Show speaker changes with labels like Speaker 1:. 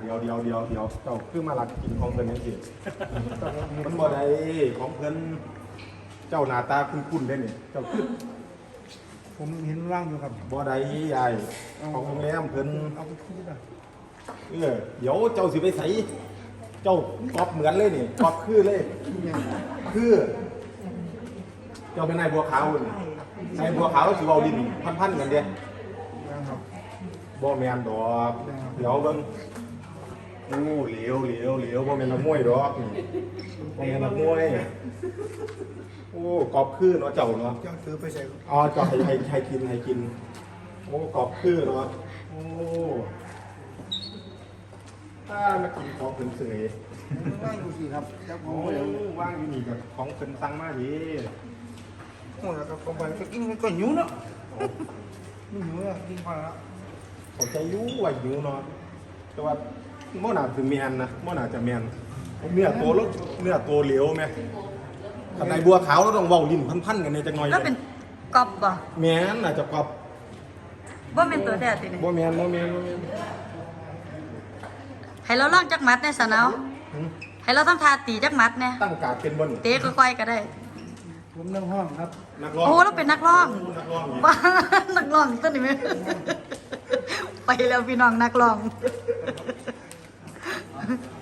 Speaker 1: เดี๋ยวเจ้าคือมาลักกินของเพิ่นจังซี่มันบ่ได้ของเพิ่นเจ้าหน้าตาคุ้นๆได้นี่เจ้าคือ
Speaker 2: ผมเห็นร่างอยู่ครับ
Speaker 1: บ่ได้ยายของโรงแรมเพิ่น
Speaker 2: เอาไปคืนนะ
Speaker 1: เดี๋ยวเจ้าสิไปใส่เจ้ากอบเหมือนเลยนี่กอบคือเลยคือเจ้าเป็นนายบัวขาวนี่นายบัวขาวสิเว้าลิ้นพันๆกันเด้
Speaker 2: นะครับ
Speaker 1: บ่แม่นดอกเดี๋ยวเบิ่งโอ้เหลวบ่แม่นนักมวยดอกนี่บ่แม่นนักมวยโอ้กอบคือเนาะเจ้าเนาะ
Speaker 2: เจ้าซื้อไปใส่
Speaker 1: อ๋อเจ้าให้กินโอ้กอบคือเนาะโอ้ถ้ามากินของเพิ่นเสย
Speaker 2: ร่างอยู่สิครับเจ้าขอ
Speaker 1: โอ้
Speaker 2: งเดี๋ยว
Speaker 1: ว่างอยู่นี่กับของเพิ่นสั่งมาดิ
Speaker 2: โอ้แล้วก็เข้าไปก็กินก็หิวเนาะไม่หิวอ่ะกินพอแล้ว
Speaker 1: เข้าใจอยู่ว่าหิวเนาะแต่ว่าบ่น่าจะแม่นนะบ่น่าจะแม่นเนื้อตัวแล้วเนื้อตัวเหลวแม่ข้างในบัวขาวเราต้องเว้าลิ้นพันๆกันในจักหน่อย
Speaker 3: แล้วเป็นกอบบ่
Speaker 1: แม่นน่าจะกอบ
Speaker 3: บ่เป็นตัวแท้ติเนี่ย
Speaker 1: บ่แม่น
Speaker 3: ให้เราลองจักมัดแน่สะเนาให้เราทำท่าตีจักมัดแน่
Speaker 1: ตั้งการเป็นบ่นี่
Speaker 3: เตะค่อยๆก็ได้
Speaker 2: ผมนั่งห้องครับ
Speaker 1: นักร้อง
Speaker 3: โอ้เราเป็นนักร้อง
Speaker 1: นักร้องนี่
Speaker 3: บ้านักร้องตัวนี้ไหมไปแล้วพี่น้องนักร้อง